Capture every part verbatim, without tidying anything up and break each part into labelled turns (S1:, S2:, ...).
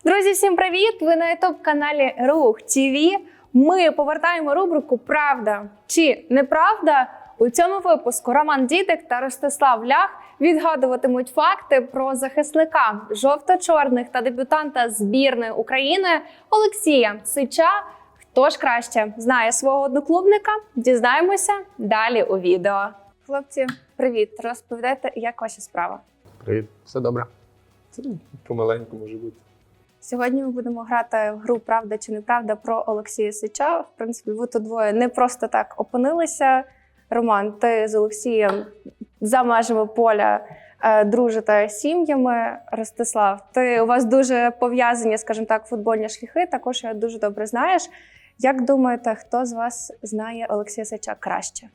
S1: Друзі, всім привіт! Ви на ютуб-каналі Рух ТВ. Ми повертаємо рубрику «Правда чи неправда?». У цьому випуску Роман Дідик та Ростислав Лях відгадуватимуть факти про захисника жовто-чорних та дебютанта збірної України Олексія Сича. Хто ж краще знає свого одноклубника? Дізнаємося далі у відео. Хлопці, привіт! Розповідайте, як ваша справа?
S2: Привіт, все добре.
S3: Це помаленьку може бути.
S1: Сьогодні ми будемо грати в гру «Правда чи неправда» про Олексія Сича. В принципі, ви тут двоє не просто так опинилися. Роман, ти з Олексієм за межами поля е, дружите сім'ями. Ростислав, ти, у вас дуже пов'язані, скажімо так, футбольні шляхи, також я дуже добре знаєш. Як думаєте, хто з вас знає Олексія Сича краще?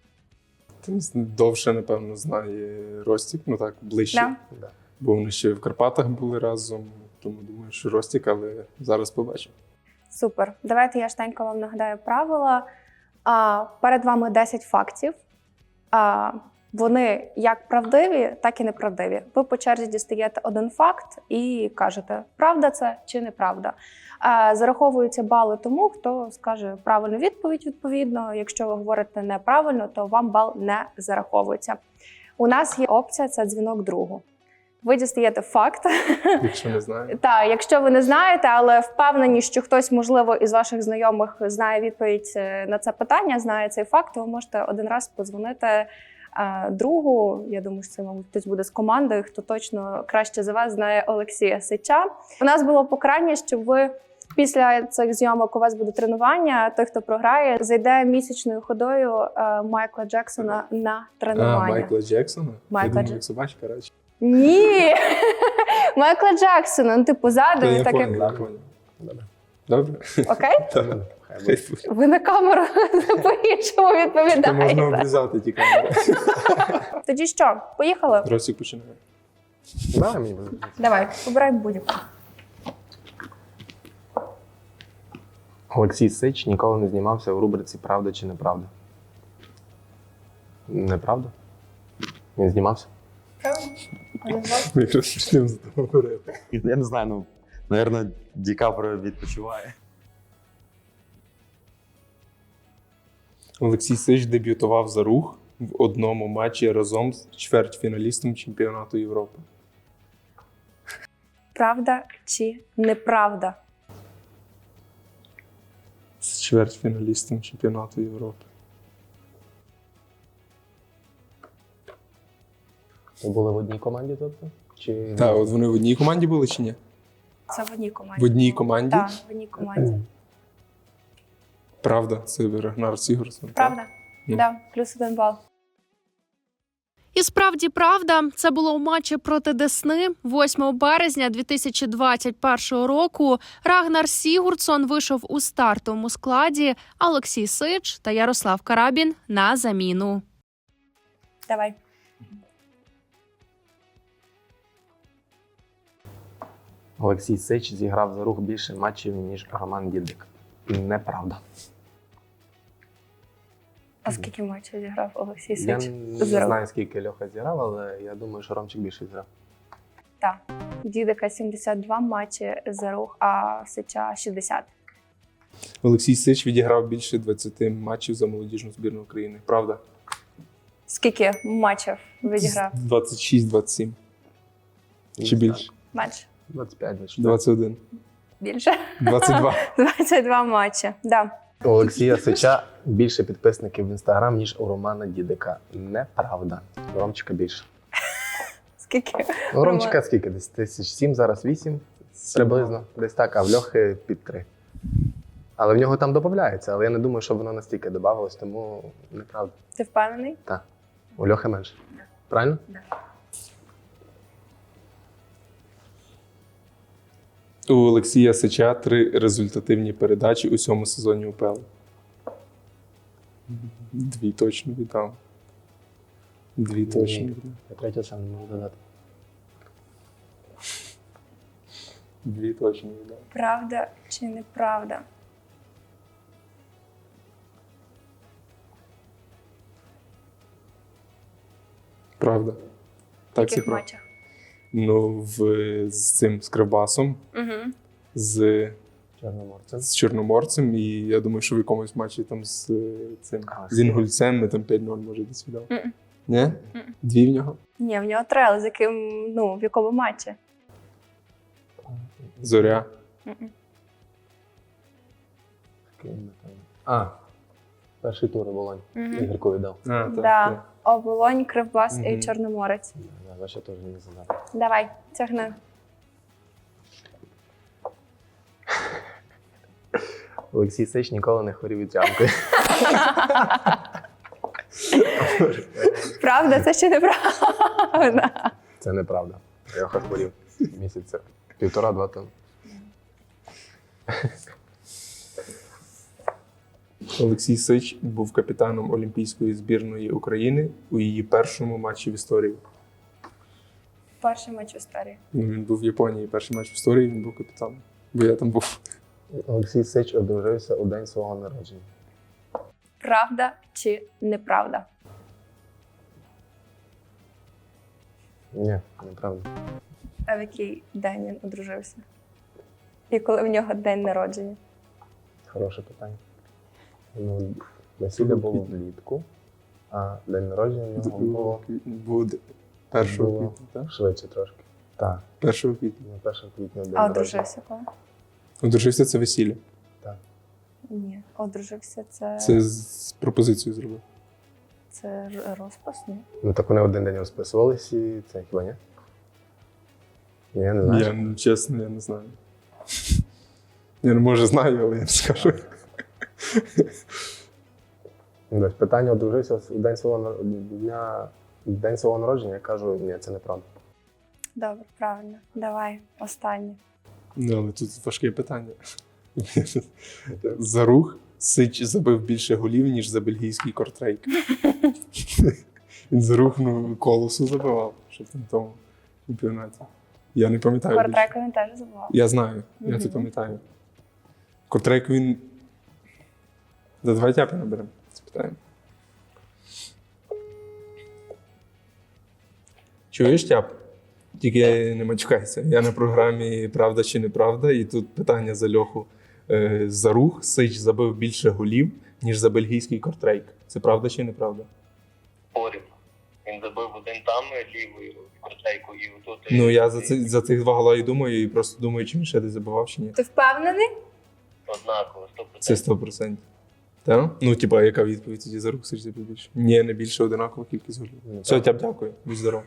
S3: Тим довше, напевно, знає Ростік, ну так, ближче.
S1: Да.
S2: Да.
S3: Бо вони ще в Карпатах були разом, тому думаю, що Ростік, але зараз побачимо.
S1: Супер. Давайте я штенько вам нагадаю правила. А, перед вами десять фактів. А, вони як правдиві, так і неправдиві. Ви по черзі дістаєте один факт і кажете, правда це чи неправда. А, зараховуються бали тому, хто скаже правильну відповідь відповідно. Якщо ви говорите неправильно, то вам бал не зараховується. У нас є опція – це дзвінок другу. Ви дістаєте факт.
S3: Якщо не знаю.
S1: Так, якщо ви не знаєте, але впевнені, що хтось, можливо, із ваших знайомих знає відповідь на це питання, знає цей факт, ви можете один раз подзвонити е, другу. Я думаю, що це, мабуть, хтось буде з команди, хто точно краще за вас знає Олексія Сича. У нас було покарання, щоб ви після цих зйомок, у вас буде тренування, той, хто програє, зайде місячною ходою е, Майкла Джексона на тренування.
S3: А, Майкла Джексона?
S1: Майкла
S3: Я думаю,
S1: Дж-
S3: як собачка радше.
S1: Ні! Майкла Джексона, ну типу ззаду,
S3: Я
S1: так
S3: понял,
S1: як...
S3: я понял. Добре. Добре?
S1: Окей?
S3: Так.
S2: Хай буде.
S1: Ви на камеру по-іншому
S3: Це можна
S1: відповідаєте.
S3: обрізати ті камери.
S1: Тоді що, поїхали?
S3: Ростік починає.
S2: Давай мені буде.
S1: Давай, обирай будь-яку.
S2: Олексій Сич ніколи не знімався в рубриці «Правда чи неправда». Неправда? Він знімався?
S3: Ми якраз почнемо з того говорити.
S4: Я не знаю, ну, наверное, Ді Каприо відпочиває.
S3: Олексій Сич дебютував за Рух в одному матчі разом з чвертьфіналістом чемпіонату Європи.
S1: Правда чи неправда?
S3: З чвертьфіналістом чемпіонату Європи.
S2: Ви були в одній команді, тобто? Чи...
S3: Так, от вони в одній команді були чи ні?
S1: Це в одній команді.
S3: В одній команді?
S1: Так, в одній команді.
S3: Правда, це Рагнар Сігурдсон.
S1: Правда?
S3: Ну.
S1: Так, да, плюс один бал.
S5: І справді правда, це було у матчі проти Десни восьмого березня дві тисячі двадцять першого року. Рагнар Сігурдсон вийшов у стартовому складі, а Олексій Сич та Ярослав Карабін на заміну.
S1: Давай.
S2: Олексій Сич зіграв за Рух більше матчів, ніж Роман Дідик. Неправда.
S1: А скільки матчів зіграв Олексій
S2: Я
S1: Сич?
S2: не
S1: За Рух?
S2: знаю, скільки Льоха зіграв, але я думаю, що Ромчик більше зіграв.
S1: Так. Дідика сімдесят два матчі за Рух, а Сича шістдесят.
S3: Олексій Сич відіграв більше двадцяти матчів за молодіжну збірну України. Правда?
S1: Скільки матчів відіграв?
S3: двадцять шість двадцять сім. Чи
S2: Не
S3: більше?
S1: Менше.
S2: двадцять п'ять двадцять чотири.
S3: двадцять один.
S1: Більше?
S3: двадцять два.
S1: двадцять два матчі. Да.
S2: У Олексія Сича більше підписників в Інстаграм, ніж у Романа Дідика. Неправда. У Ромчика більше.
S1: Скільки?
S2: У Ромчика скільки? Десь тисяч сім, зараз вісім. Приблизно. Десь так, а в Льохи під три. Але в нього там додається, але я не думаю, що воно настільки додавалось, тому неправда.
S1: Ти впевнений?
S2: Так. У Льохи менше. Правильно?
S3: У Олексія Сича три результативні передачі у цьому сезоні УПЛ. Дві точно віддав. Дві точно
S2: Ні.
S3: віддав.
S2: Я третю сам не можу додати.
S3: Дві точно віддав.
S1: Правда чи неправда?
S3: Правда.
S1: В
S3: Так, це
S1: яких
S3: правда.
S1: матчах?
S3: Ну, в, з цим з Кривбасом,
S1: Угу.
S3: з,
S2: Чорноморцем.
S3: з Чорноморцем, і я думаю, що в якомусь матчі там з е, цим
S2: А,
S3: з Інгульцем ми там п'ять нуль може десь віддав.
S1: Мгм.
S3: Ні?
S1: Мгм.
S3: Дві в нього?
S1: Ні, в нього три, але з яким, ну, в якому матчі?
S3: Зоря.
S1: Мгм.
S2: Який ми там? А, перший тур Волонь.
S1: Мгм.
S2: Ігорку віддав.
S3: А, так,
S1: Да.
S3: так.
S1: Оболонь, Кривбас і
S3: Мгм.
S1: Чорноморець.
S2: Я ваша теж не задав.
S1: Давай, тягни.
S2: Олексій Сич ніколи не хворів від ямки.
S1: Правда, це ще неправда.
S2: Це неправда. Льоха хворів місяця. Півтора-два тому.
S3: Олексій Сич був капітаном Олімпійської збірної України у її першому матчі в історії.
S1: Перший матч в історії.
S3: Ну, він був в Японії, перший матч в історії, він був капітаном. Бо я там був.
S2: Олексій Сич одружився у день свого народження.
S1: Правда чи неправда?
S2: Ні, неправда.
S1: А в який день він одружився? І коли в нього день народження?
S2: Хороше питання. Ну, весілля було влітку, а день народження в нього було
S3: Буде першого
S2: Було.
S3: квітня, так?
S2: швидше трошки. Так,
S3: першого квітня.
S2: на першого квітня день
S1: А
S2: народження.
S1: одружився коли?
S3: Одружився це весілля.
S1: Ні, одружився це,
S3: Це з пропозицією зробив.
S1: це р- розпис, ні?
S2: Ну так вони один день розписувались і це хіба ні? Ні, я не знаю.
S3: Я ну, чесно, я не знаю. Я ну, може знаю, але я не скажу.
S2: Ну, питання одружився у день свого нар- дня, день свого народження, я кажу, ні, це неправда.
S1: Добре, правильно. Давай, останнє.
S3: Ну, але тут важке питання. За рух Сич забив більше голів, ніж за бельгійський кортрейк. Він за рух ну, колосу забивав, що в тому чемпіонаті. Я не пам'ятаю. більше.
S1: Кортрека він теж забував.
S3: Я знаю, я це
S1: Мгм.
S3: пам'ятаю. Кортрейк він. Да, давай тяпи наберемо, спитаємо. Чуєш, тяп? Тільки не матюкайся. Я на програмі Правда чи неправда, і тут питання за Льоху. Е, За рух Сич забив більше голів, ніж за бельгійський кортрейк. Це правда чи неправда?
S6: Порів. Він забив один там лівою корчайку і отут.
S3: Ну я за, це, за цих два гола і думаю, і просто думаю, чи він ще десь забивав чи ні.
S1: Ти впевнений?
S6: Однаково, сто
S3: Це
S6: процентів.
S3: сто процентів. Так? Ну, типа, яка відповідь тоді за рух Сич забив більше? Ні, не більше, одинакова кількість голів.
S2: Ну,
S3: Все,
S2: так.
S3: тяп, дякую. Будь здоров.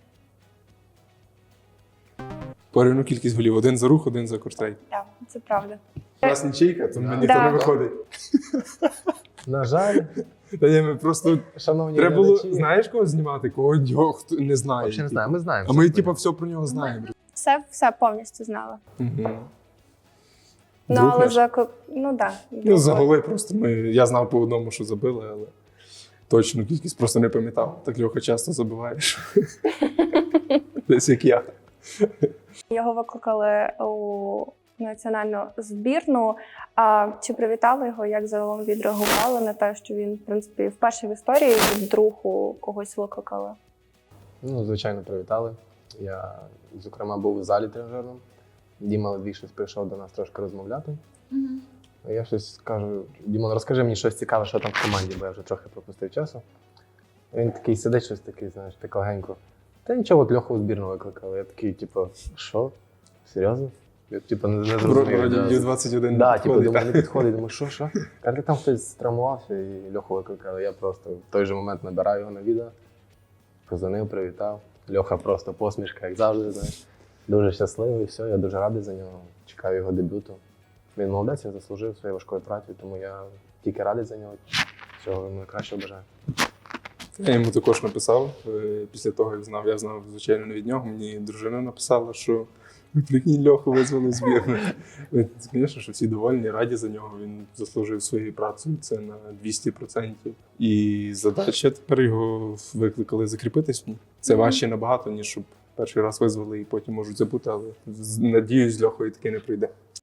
S3: Порівну кількість голів. Один за рух, один за кортрейк.
S1: Так, це правда.
S3: У нас нічийка, то
S2: Да.
S3: ніхто
S1: Да.
S3: не виходить.
S2: На жаль,
S3: Та ні, ми просто
S2: шановні
S3: треба було,
S2: глядачі,
S3: знаєш, кого знімати, кого його хто не знає.
S2: взагалі не
S3: типу.
S2: знаю, ми знаємо.
S3: А ми,
S2: все
S3: типу,
S2: про
S3: все про нього знаємо.
S1: Все, все повністю знала.
S3: Угу.
S1: Ну,
S3: Друг
S1: але
S3: наш.
S1: за ко- ну да.
S3: Ну, за голи просто ми. Я знав по одному, що забили, але точну кількість просто не пам'ятав. Так Льоха часто забиваєш. Десь як я.
S1: Його викликали у національну збірну. А чи привітали його, як загалом відреагували на те, що він, в принципі, вперше в історії вдруг у когось викликали?
S2: Ну, звичайно, привітали. Я, зокрема, був у залі тренажерному. Діма Ледвій щось прийшов до нас трошки розмовляти. А я щось кажу: Дімон, розкажи мені щось цікаве, що там в команді, бо я вже трохи пропустив часу. А він такий сидить, щось такий, знаєш, так легенько. Та нічого, от Льоху у збірну викликали. Я такий, типу, що? Серйозно? Я типу, не, не зрозумів.
S3: Вроді
S2: Да.
S3: Ю двадцять один не
S2: Да, типу,
S3: підходить.
S2: думаю, не підходить. Думаю, що, що? Каже, там хтось травмувався і Льоху викликали. Я просто в той же момент набираю його на відео, позвонив, привітав. Льоха просто посмішка, як завжди, знаєш. Дуже щасливий, все, я дуже радий за нього. Чекаю його дебюту. Він молодець, він заслужив своєю важкою працею, тому я тільки радий за нього. Всього йому найкращого бажаю.
S3: Я йому також написав. е, Після того, як знав, я знав, звичайно, не від нього. Мені дружина написала, що ви прикинь, Льоху визвали в збірну. Е, Звісно, що всі довольні, раді за нього. Він заслужив своєю працею це на двісті відсотків. І задача тепер його викликали закріпитись в ній. Це важче набагато, ніж щоб перший раз визвали і потім можуть забути, але з- надіюсь, з Льохою таки не прийде.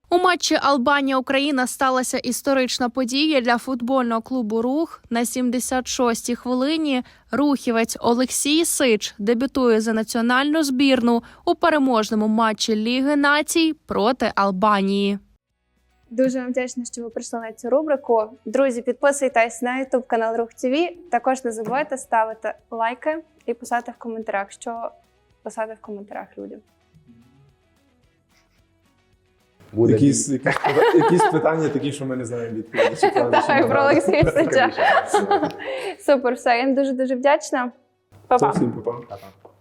S5: У матчі Албанія-Україна сталася історична подія для футбольного клубу «Рух». На сімдесят шостій хвилині рухівець Олексій Сич дебютує за національну збірну у переможному матчі Ліги націй проти Албанії.
S1: Дуже вам вдячна, що ви прийшли на цю рубрику. Друзі, підписуйтесь на ютуб канал Рух ТВ. Також не забувайте ставити лайки і писати в коментарях, що писати в коментарях людям.
S2: Буде
S3: Якісь, якісь, пита- якісь питання такі, що ми не знаємо відповіді. Чи правда, чи
S1: Так, про
S3: неправда.
S1: Олексія Сича. Супер, все, я їм дуже-дуже вдячна. Па-па.
S3: Це всім па-па.
S2: Па-па.